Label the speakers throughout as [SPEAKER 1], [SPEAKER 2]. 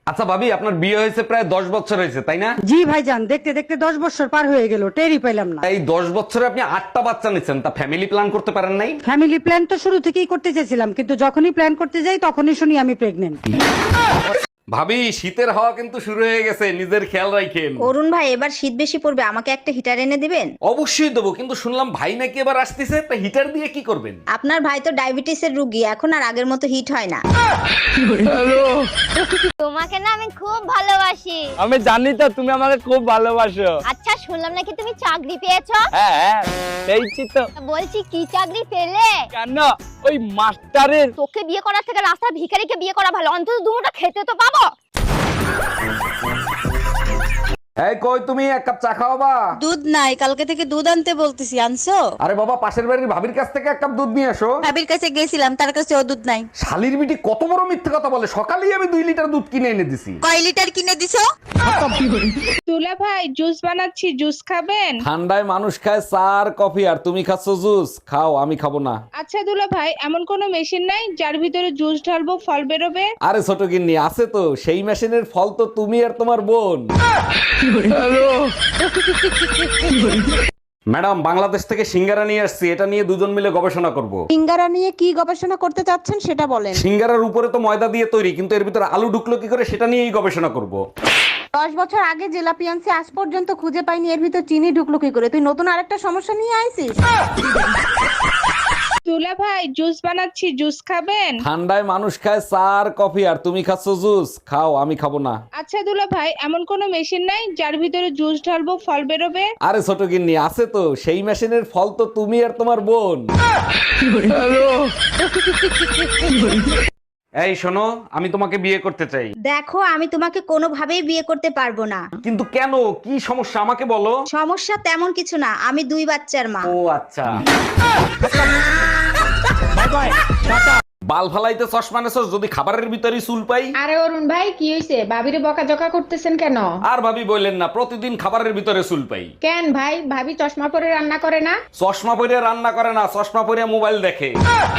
[SPEAKER 1] আচ্ছা ভাবি, আপনার বিয়ে হয়েছে প্রায় 10 বছর হয়েছে, তাই না?
[SPEAKER 2] জি ভাইজান, দেখতে দেখতে 10 বছর পার হয়ে গেল, টেরই পেলাম না।
[SPEAKER 1] এই 10 বছরে আপনি 8টা বাচ্চা নিচ্ছেন, তা ফ্যামিলি প্ল্যান করতে পারেন নাই?
[SPEAKER 2] ফ্যামিলি প্ল্যান তো শুরু থেকেই করতে চেয়েছিলাম, কিন্তু যখনই প্ল্যান করতে যাই তখনই শুনি আমি প্রেগনেন্ট।
[SPEAKER 1] ভাবি, শীতের হাওয়া কিন্তু শুরু হয়ে গেছে, নিজের খেয়াল রাখেন।
[SPEAKER 3] অরুণ ভাই, এবার শীত বেশি পড়বে, আমাকে একটা হিটার এনে দিবেন?
[SPEAKER 1] অবশ্যই দেবো, কিন্তু শুনলাম ভাই নাকি এবার আসতেছে, তা হিটার দিয়ে কি করবেন?
[SPEAKER 3] আপনার ভাই তো ডায়াবেটিসের রোগী, এখন আর আগের মতো হিট হয় না।
[SPEAKER 4] তোমাকে না আমি খুব ভালোবাসি।
[SPEAKER 5] আমি জানি তো তুমি আমাকে খুব ভালোবাসো।
[SPEAKER 4] আচ্ছা, শুনলাম নাকি তুমি চাকরি পেয়েছো?
[SPEAKER 5] হ্যাঁ, পেয়েছি তো।
[SPEAKER 4] বলছি, কি চাকরি পেলে?
[SPEAKER 5] কেন? ওই মাস্টারের।
[SPEAKER 4] তোকে বিয়ে করার থেকে রাস্তার ভিখারিকে বিয়ে করা ভালো, অন্তত দুটো খেতে তো পাবো।
[SPEAKER 1] এই কই তুমি, এক কাপ চা খাওয়াবা?
[SPEAKER 6] দুধ নাই, কালকে থেকে দুধ আনতে বলতেছি, আনছো?
[SPEAKER 1] আরে বাবা, পাশের বাড়ির ভাবির কাছ থেকে এক কাপ দুধ নিয়ে আসো।
[SPEAKER 6] ভাবির কাছে গেছিলাম, তার কাছে ও দুধ নাই।
[SPEAKER 1] শালির বিটি কত বড় মিথ্যে কথা বলে, সকালেই আমি 2 লিটার দুধ কিনে এনে দিছি।
[SPEAKER 6] কয় লিটার কিনে দিছো?
[SPEAKER 7] দুলা ভাই, জুস বানাচ্ছি, জুস খাবেন?
[SPEAKER 1] ঠান্ডায় মানুষ খায় চা আর কফি, আর তুমি খাচ্ছ জুস। খাও, আমি খাবো না।
[SPEAKER 7] আচ্ছা দুলা ভাই, এমন কোন মেশিন নাই যার ভিতরে জুস ঢালবো ফল বেরোবে?
[SPEAKER 1] আরে ছোট গিন্নি, আছে তো, সেই মেশিনের ফল তো তুমি আর তোমার বোন। ম্যাডাম, বাংলাদেশ থেকে সিঙ্গারা নিয়ে আসছি, এটা নিয়ে দুজন মিলে গবেষণা করব।
[SPEAKER 6] সিঙ্গারা নিয়ে কি গবেষণা করতে চাচ্ছেন সেটা বলেন।
[SPEAKER 1] সিঙ্গারার উপরে তো ময়দা দিয়ে তৈরি, কিন্তু এর ভিতরে আলু ঢুকলো কি করে, সেটা নিয়েই গবেষণা করব।
[SPEAKER 6] 10 বছর আগে জেলাপি আনছি, আজ পর্যন্ত খুঁজে পাইনি এর ভিতর চিনি ঢুকলো কি করে। তুই নতুন আরেকটা সমস্যা নিয়ে আইছিস।
[SPEAKER 7] দুলা ভাই, জুস বানাচ্ছি, জুস খাবেন?
[SPEAKER 1] ঠান্ডায় মানুষ খায় চা আর কফি, আর তুমি খাচ্ছ জুস। খাও, আমি খাবো না।
[SPEAKER 7] আচ্ছা দুলা ভাই, এমন কোন মেশিন নাই যার ভিতরে জুস ঢালবো ফল বেরোবে?
[SPEAKER 1] আরে ছোট গিন্নি, আছে তো, সেই মেশিনের ফল তো তুমি আর তোমার বোন। এই শোনো, আমি তোমাকে বিয়ে করতে চাই।
[SPEAKER 3] দেখো, আমি তোমাকে কোনোভাবেই বিয়ে করতে পারবো না।
[SPEAKER 1] কিন্তু কেন, কি সমস্যা আমাকে বলো।
[SPEAKER 3] সমস্যা তেমন কিছু না, আমি 2 বাচ্চার মা।
[SPEAKER 1] ও আচ্ছা। বাল ফালাইতে চশমা নেছস, যদি খাবারের ভিতরে চুল পাই।
[SPEAKER 8] আরে অরুণ ভাই, কি হইছে? ভাবিরে বকাঝকা করতেছেন কেন?
[SPEAKER 1] আর ভাবি বললেন না, প্রতিদিন খাবারের ভিতরে চুল পাই।
[SPEAKER 8] কেন ভাই, ভাবি চশমা পরে রান্না করে না?
[SPEAKER 1] চশমা পরে রান্না করে না, চশমা পরে মোবাইল দেখে।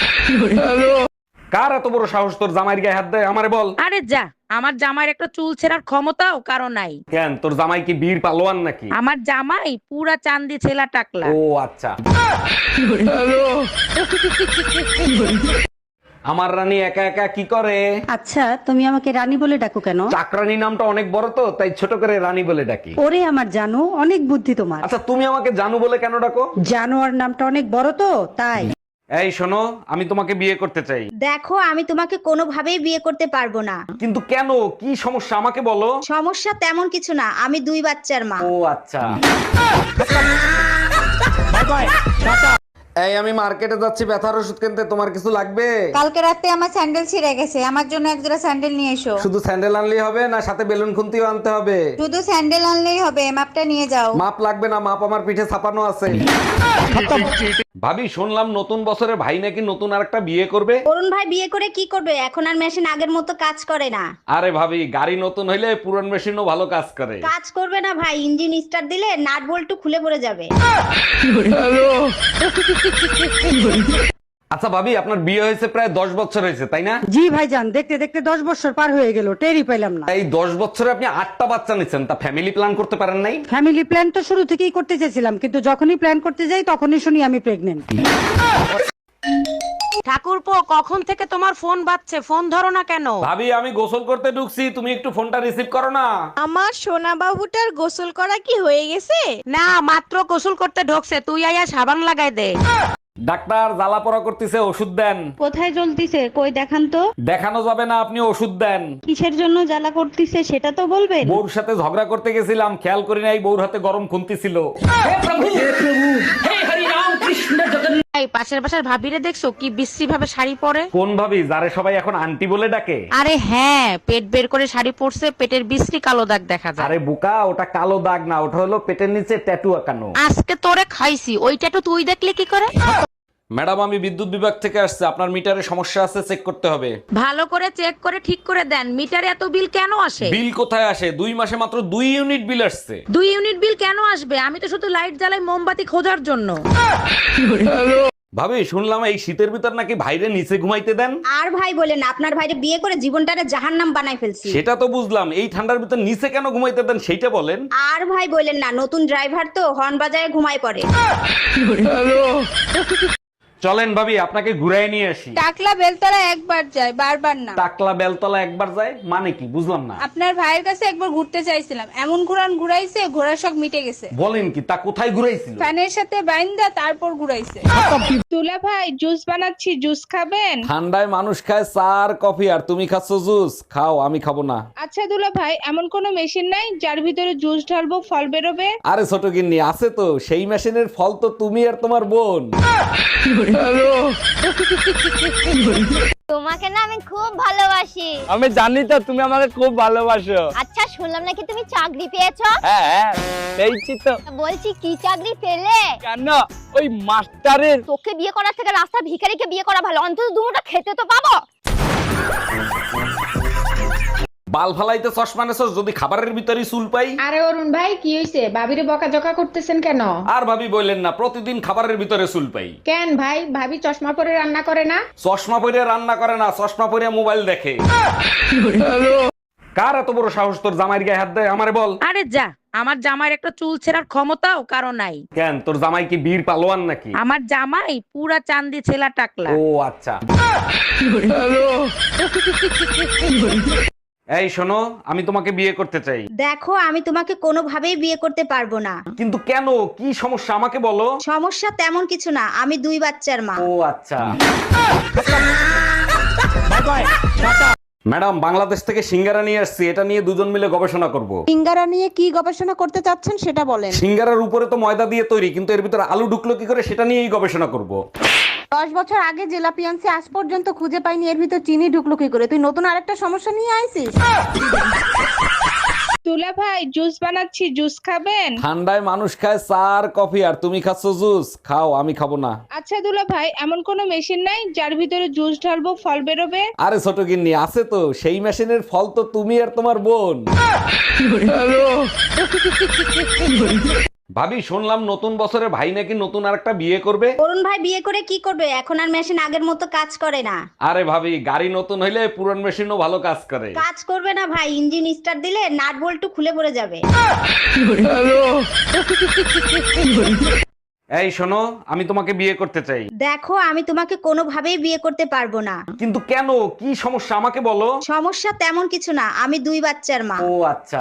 [SPEAKER 1] কার এত বড় সাহস তোর জামাইয়ের গায়ে হাত দেয়, আমারে বল।
[SPEAKER 9] আরে যা, আমার জামাইয়ের একটা চুল ছেঁড়ার ক্ষমতাও কারো নাই।
[SPEAKER 1] কেন, তোর জামাই কি বীর পালোয়ান নাকি?
[SPEAKER 9] আমার জামাই পুরা চান্দি ছেলা টাকলা।
[SPEAKER 1] ও আচ্ছা। আমার রানী একা একা কি করে?
[SPEAKER 2] আচ্ছা, তুমি আমাকে রানী বলে ডাকো কেন?
[SPEAKER 1] চাকরানী নামটা অনেক বড় তো, তাই ছোট করে রানী বলে ডাকি।
[SPEAKER 2] ওরে আমার জানো, অনেক বুদ্ধি তোমার।
[SPEAKER 1] আচ্ছা, তুমি আমাকে জানু বলে কেন ডাকো?
[SPEAKER 2] জানোয়ার নামটা অনেক বড় তো, তাই।
[SPEAKER 1] এই শোনো, আমি তোমাকে বিয়ে করতে চাই।
[SPEAKER 3] দেখো, আমি তোমাকে কোনোভাবেই বিয়ে করতে পারবো না।
[SPEAKER 1] কিন্তু কেন, কি সমস্যা আমাকে বলো।
[SPEAKER 3] সমস্যা তেমন কিছু না, আমি 2 বাচ্চার মা।
[SPEAKER 1] ও আচ্ছা। এই আমি মার্কেটে যাচ্ছি ব্যথার ওষুধ কিনতে, তোমার কিছু লাগবে?
[SPEAKER 6] কালকে রাতে আমার স্যান্ডেল ছিঁড়ে গেছে, আমার জন্য এক জোড়া স্যান্ডেল নিয়ে এসো।
[SPEAKER 1] শুধু স্যান্ডেল আনলেই হবে, না সাথে বেলুন খুন্তিও আনতে হবে?
[SPEAKER 6] শুধু স্যান্ডেল আনলেই হবে, মাপটা নিয়ে যাও।
[SPEAKER 1] মাপ লাগবে না, মাপ আমার পিঠে ছাপানো আছে। ভাবি, শুনলাম নতুন বছরে ভাই নাকি নতুন আরেকটা বিয়ে করবে।
[SPEAKER 3] অরুণ ভাই বিয়ে করে কি করবে? এখন আর মেশিন আগের মতো কাজ করে না।
[SPEAKER 1] আরে ভাবি, গাড়ি নতুন হইলে পুরান মেশিনও ভালো কাজ করে।
[SPEAKER 3] কাজ করবে না ভাই, ইঞ্জিন স্টার্ট দিলে নাট বল্টু খুলে পড়ে যাবে।
[SPEAKER 1] আচ্ছা ভাবি, আপনার বিয়ে হয়েছে প্রায় 10 বছর হয়েছে, তাই না?
[SPEAKER 2] জি ভাইজান, দেখতে দেখতে 10 বছর পার হয়ে গেল, টেরই পেলাম না।
[SPEAKER 1] এই 10 বছরে আপনি 8টা বাচ্চা নিচ্ছেন, তা ফ্যামিলি প্ল্যান করতে পারেন নাই?
[SPEAKER 2] ফ্যামিলি প্ল্যান তো শুরু থেকেই করতে চেয়েছিলাম, কিন্তু যখনই প্ল্যান করতে যাই তখনই শুনি আমি প্রেগনেন্ট।
[SPEAKER 9] ঠাকুরপো, কখন থেকে তোমার ফোন বাজছে, ফোন ধরো না কেন?
[SPEAKER 1] ভাবি, আমি গোসল করতে ঢুকছি, তুমি একটু ফোনটা রিসিভ করো না।
[SPEAKER 6] আমার সোনা বাবুটার গোসল করা কি হয়ে গেছে?
[SPEAKER 9] না, মাত্র গোসল করতে ঢোকছে, তুই আয়া সাবান লাগাই দে।
[SPEAKER 1] ডাক্তার জ্বালা পড়া করতেছে, ওষুধ দেন।
[SPEAKER 6] কোথায় জ্বলতিছে, কই দেখান তো।
[SPEAKER 1] দেখানো যাবে না, আপনি ওষুধ দেন।
[SPEAKER 6] কিসের জন্য জ্বালা করতিছে সেটা তো বলবেন।
[SPEAKER 1] বউর সাথে ঝগড়া করতে গেছিলাম, খেয়াল করি নাই বউর হাতে গরম খুন্তি ছিল।
[SPEAKER 9] এই পাশের বাসার ভাবিরে দেখছো কি বিশ্রী ভাবে শাড়ি পরে?
[SPEAKER 1] কোন ভাবি, যারে সবাই এখন আন্টি বলে ডাকে?
[SPEAKER 9] আরে হ্যাঁ, পেট বের করে শাড়ি পরছে, পেটের বিশ্রী কালো দাগ দেখা যায়।
[SPEAKER 1] আরে বুকা, ওটা কালো দাগ না, ওটা হলো পেটের নিচে ট্যাটু আঁকানো।
[SPEAKER 9] আজকে তোরে খাইছি, ওইটা তো তুই দেখলে কি করে?
[SPEAKER 1] ম্যাডাম, আমি বিদ্যুৎ বিভাগ থেকে আসছে, আপনার মিটারে সমস্যা আছে, চেক করতে হবে।
[SPEAKER 9] ভালো করে চেক করে ঠিক করে দেন, মিটারে এত বিল কেন আসে?
[SPEAKER 1] বিল কোথায় আসে, 2 মাসে মাত্র 2 ইউনিট বিল আসছে।
[SPEAKER 9] 2 ইউনিট বিল কেন আসবে? আমি তো শুধু লাইট জ্বালাই মোমবাতি খোঁজার জন্য।
[SPEAKER 1] ভাবি শুনলাম এই শীতের ভিতর নাকি ভাইরে নিচে ঘুমাইতে দেন।
[SPEAKER 3] আর ভাই বলেন না, আপনার ভাইরে বিয়ে করে জীবনটারে জাহান্নাম বানাই ফেলছি।
[SPEAKER 1] সেটা তো বুঝলাম, এই ঠান্ডার ভিতর নিচে কেন ঘুমাইতে দেন সেইটা বলেন।
[SPEAKER 3] আর ভাই বলেন না, নতুন ড্রাইভার তো হর্ন বাজায় ঘুমায় পড়ে।
[SPEAKER 1] চলেন ভাবি আপনাকে ঘুরাই নিয়ে আসি।
[SPEAKER 7] টাকলা বেলতলা একবার যায়, বারবার না।
[SPEAKER 1] টাকলা বেলতলা একবার যায় মানে কি বুঝলাম না।
[SPEAKER 7] আপনার ভাইয়ের কাছে একবার ঘুরতে চাইছিলাম, এমন ঘুরাইছে ঘোড়ার শখ মিটে গেছে।
[SPEAKER 1] বলেন কি, তা কোথায় ঘুরাইছিল?
[SPEAKER 7] ফ্যানের সাথে বাইন্দা তারপর ঘুরাইছে। তুলা ভাই জুস বানাচ্ছি, জুস খাবেন?
[SPEAKER 1] ঠান্ডায় মানুষ খায় চা আর কফি, আর তুমি খাচ্ছ জুস। খাও, আমি খাবো না।
[SPEAKER 7] আচ্ছা দুলা ভাই, এমন কোন মেশিন নাই যার ভিতরে জুস ঢালবো ফল বেরোবে?
[SPEAKER 1] আরে ছোট গিন্নি, আছে তো, সেই মেশিনের ফল তো তুমি আর তোমার বোন।
[SPEAKER 4] তোমাকে না আমি খুব ভালোবাসি।
[SPEAKER 5] আমি জানি তো তুমি আমাকে খুব ভালোবাসো।
[SPEAKER 4] আচ্ছা শুনলাম নাকি তুমি চাকরি পেয়েছো?
[SPEAKER 5] হ্যাঁ পেয়েছি তো।
[SPEAKER 4] বলছি কি চাকরি পেলে?
[SPEAKER 5] কেন? ওই মাস্টারের।
[SPEAKER 4] তোকে বিয়ে করার থেকে রাস্তা ভিখারিকে বিয়ে করা ভালো, অন্তত দুটো খেতে তো পাবো।
[SPEAKER 1] বাল ফালাইতে চশমা নেছস, যদি খাবারের ভিতরে চুল পাই।
[SPEAKER 8] আরে অরুণ ভাই কি হইছে, ভাবিরে বকাঝকা করতেছেন কেন?
[SPEAKER 1] আর ভাবি বললেন না, প্রতিদিন খাবারের ভিতরে চুল পাই।
[SPEAKER 8] কেন ভাই, ভাবি চশমা পরে রান্না করে না?
[SPEAKER 1] চশমা পরে রান্না করে না, চশমা পরে মোবাইল দেখে। কার এত বড় সাহস তোর জামাইয়ের গায়ে হাত দেয়? আমারে বল।
[SPEAKER 9] আরে যা, আমার জামাইয়ের একটা চুল ছেঁড়ার ক্ষমতাও কারো নাই।
[SPEAKER 1] কেন, তোর জামাই কি বীর পালোয়ান নাকি?
[SPEAKER 9] আমার জামাই পুরা চান্দি ছেলা টাকলা।
[SPEAKER 1] ও আচ্ছা। এই শোনো, আমি তোমাকে বিয়ে করতে চাই।
[SPEAKER 3] দেখো আমি তোমাকে কোনোভাবেই বিয়ে করতে পারবো না।
[SPEAKER 1] কিন্তু কেন, কি সমস্যা আমাকে বলো।
[SPEAKER 3] সমস্যা তেমন কিছু না, আমি 2 বাচ্চার মা।
[SPEAKER 1] ও আচ্ছা। ম্যাডাম, বাংলাদেশ থেকে সিঙ্গারা নিয়ে আসছি, এটা নিয়ে দুজন মিলে গবেষণা করব।
[SPEAKER 6] সিঙ্গারা নিয়ে কি গবেষণা করতে চাচ্ছেন সেটা বলেন।
[SPEAKER 1] সিঙ্গারার উপরে তো ময়দা দিয়ে তৈরি, কিন্তু এর ভিতরে আলু ঢুকলো কি করে সেটা নিয়েই গবেষণা করব।
[SPEAKER 6] 10 বছর আগে জেলা পিয়ান্সি আজ পর্যন্ত খুঁজে পাইনি, এর ভিতর চিনি ঢুকলো কি করে? তুই নতুন আরেকটা সমস্যা নিয়ে আইছিস।
[SPEAKER 7] তুলা ভাই জুস বানাচ্ছি, জুস খাবেন?
[SPEAKER 1] ঠান্ডায় মানুষ খায় চা আর কফি, আর তুমি খাচ্ছ জুস। খাও, আমি খাবো না।
[SPEAKER 7] আচ্ছা দুলা ভাই, এমন কোন মেশিন নাই যার ভিতরে জুস ঢালবো ফল বেরোবে?
[SPEAKER 1] আরে ছোট গিন্নি, আছে তো, সেই মেশিনের ফল তো তুমি আর তোমার বোন। ভাবি শুনলাম নতুন বছরে ভাই নাকি নতুন আরেকটা বিয়ে করবে।
[SPEAKER 3] অরুণ ভাই বিয়ে করে কি করবে? এখন আর মেশিন আগের মতো কাজ করে না।
[SPEAKER 1] আরে ভাবি, গাড়ি নতুন হইলে পুরান মেশিনও ভালো কাজ করে।
[SPEAKER 3] কাজ করবে না ভাই, ইঞ্জিন স্টার্ট দিলে নাট বল্টু খুলে পড়ে যাবে।
[SPEAKER 1] এই শোনো, আমি তোমাকে বিয়ে করতে চাই।
[SPEAKER 3] দেখো আমি তোমাকে কোনোভাবেই বিয়ে করতে পারবো না।
[SPEAKER 1] কিন্তু কেন, কি সমস্যা আমাকে বলো।
[SPEAKER 3] সমস্যা তেমন কিছু না, আমি 2 বাচ্চার মা।
[SPEAKER 1] ও আচ্ছা।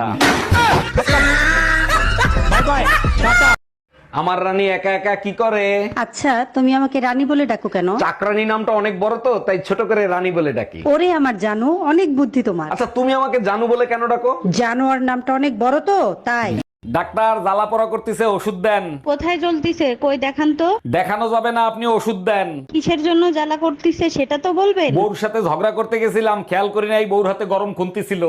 [SPEAKER 1] আমার রানী একা একা কি করে?
[SPEAKER 2] আচ্ছা তুমি আমাকে রানী বলে ডাকো কেন?
[SPEAKER 1] চাকরানী নামটা অনেক বড় তো, তাই ছোট করে রানী বলে ডাকি।
[SPEAKER 2] ওরে আমার জানো, অনেক বুদ্ধি তোমার।
[SPEAKER 1] আচ্ছা তুমি আমাকে জানু বলে কেন ডাকো?
[SPEAKER 2] জানোয়ার নামটা অনেক বড় তো তাই।
[SPEAKER 1] ডাক্তার, জ্বালা পড়া করতেছে, ওষুধ দেন।
[SPEAKER 2] কোথায় জ্বলতিছে কই দেখান তো।
[SPEAKER 1] দেখানো যাবে না, আপনি ওষুধ দেন।
[SPEAKER 2] কিসের জন্য জ্বালা করতিছে সেটা তো বলবেন।
[SPEAKER 1] বউর সাথে ঝগড়া করতে গেছিলাম, খেয়াল করি নাই বউর হাতে গরম খুন্তি ছিল।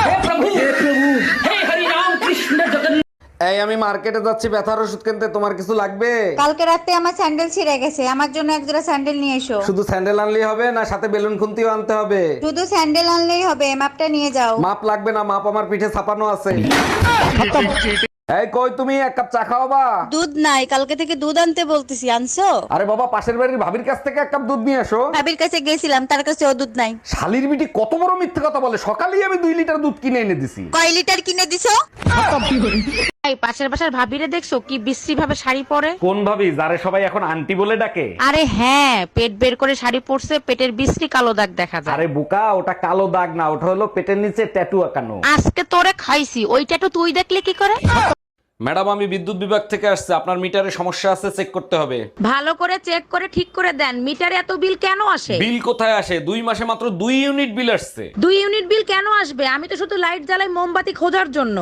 [SPEAKER 1] এই আমি মার্কেটে যাচ্ছি ব্যথার ওষুধ কিনতে, তোমার কিছু লাগবে?
[SPEAKER 3] কালকে রাতে আমার স্যান্ডেল ছিঁড়ে গেছে, আমার জন্য এক জোড়া স্যান্ডেল নিয়ে এসো।
[SPEAKER 1] শুধু স্যান্ডেল আনলেই হবে না, সাথে বেলুন খুন্তিও আনতে হবে?
[SPEAKER 3] শুধু স্যান্ডেল আনলেই হবে, মাপটা নিয়ে যাও।
[SPEAKER 1] মাপ লাগবে না, মাপ আমার পিঠে ছাপানো আছে। এই কই তুমি, এক কাপ চা খাওয়াবা?
[SPEAKER 2] দুধ নাই, কালকে থেকে দুধ আনতে বলতেছি, আনছো?
[SPEAKER 1] আরে বাবা, পাশের বাড়ির ভাবির কাছ থেকে এক কাপ দুধ নিয়ে এসো।
[SPEAKER 2] ভাবির কাছে গেছিলাম, তার কাছে ও দুধ নাই।
[SPEAKER 1] শালির বিটি কত বড় মিথ্যে কথা বলে, সকালেই আমি 2 লিটার দুধ কিনে এনে দিছি।
[SPEAKER 2] কয় লিটার কিনে দিছো?
[SPEAKER 9] এই পাশের বাসার ভাবিরে দেখছো কি বিশ্রী ভাবে শাড়ি পরে?
[SPEAKER 1] কোন ভাবি, যারে সবাই এখন আন্টি বলে ডাকে?
[SPEAKER 9] আরে হ্যাঁ, পেট বের করে শাড়ি পরছে, পেটের বিশ্রী কালো দাগ দেখা যায়।
[SPEAKER 1] আরে বোকা, ওটা কালো দাগ না, ওটা হলো পেটের নিচে ট্যাটু আঁকানো।
[SPEAKER 9] আজকে তোরে খাইছি, ওইটা তো তুই দেখলে কি করে?
[SPEAKER 1] ম্যাডাম, আমি বিদ্যুৎ বিভাগ থেকে আসছে, আপনার মিটারে সমস্যা আছে, চেক করতে হবে।
[SPEAKER 9] ভালো করে চেক করে ঠিক করে দেন, মিটারে এত বিল কেন আসে?
[SPEAKER 1] বিল কোথায় আসে, 2 মাসে মাত্র 2 ইউনিট বিল আসছে।
[SPEAKER 9] 2 ইউনিট বিল কেন আসবে? আমি তো শুধু লাইট জ্বালাই মোমবাতি খোঁজার জন্য।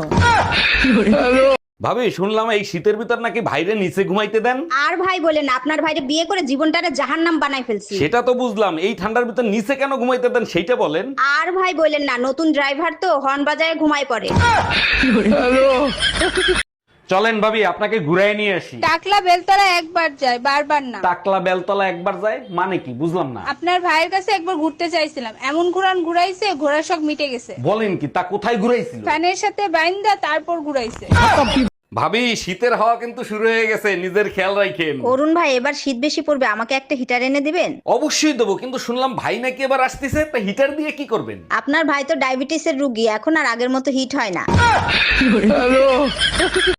[SPEAKER 1] ভাবি শুনলাম এই শীতের ভিতর নাকি ভাইরে নিচে ঘুমাইতে দেন।
[SPEAKER 3] আর ভাই বলেন না, আপনার ভাইরে বিয়ে করে জীবনটারে জাহান্নাম বানাই ফেলছি।
[SPEAKER 1] সেটা তো বুঝলাম, এই ঠান্ডার ভিতর নিচে কেন ঘুমাইতে দেন সেইটা বলেন।
[SPEAKER 3] আর ভাই বলেন না, নতুন ড্রাইভার তো হর্ন বাজায় ঘুমায় পড়ে।
[SPEAKER 1] চলেন ভাবি আপনাকে ঘুরাই নিয়ে আসি।
[SPEAKER 7] টাকলা বেলতলা একবার যায়, বারবার না।
[SPEAKER 1] টাকলা বেলতলা একবার যায় মানে কি বুঝলাম না।
[SPEAKER 7] আপনার ভাইয়ের কাছে একবার ঘুরতে চাইছিলাম, এমন ঘুরাইছে ঘোড়ার শখ মিটে গেছে।
[SPEAKER 1] বলেন কি, তা কোথায় ঘুরাইছিল?
[SPEAKER 7] ফ্যানের সাথে বাইন্দা তারপর ঘুরাইছে।
[SPEAKER 1] ভাবি শীতের হাওয়া কিন্তু শুরু হয়ে গেছে, নিজের খেয়াল রাখেন।
[SPEAKER 3] অরুণ ভাই এবার শীত বেশি পড়বে, আমাকে একটা হিটার এনে দিবেন?
[SPEAKER 1] অবশ্যই দেবো, কিন্তু শুনলাম ভাই নাকি এবার আসতেছে, তা হিটার দিয়ে কি করবেন?
[SPEAKER 3] আপনার ভাই তো ডায়াবেটিসের রুগী, এখন আর আগের মতো হিট হয় না।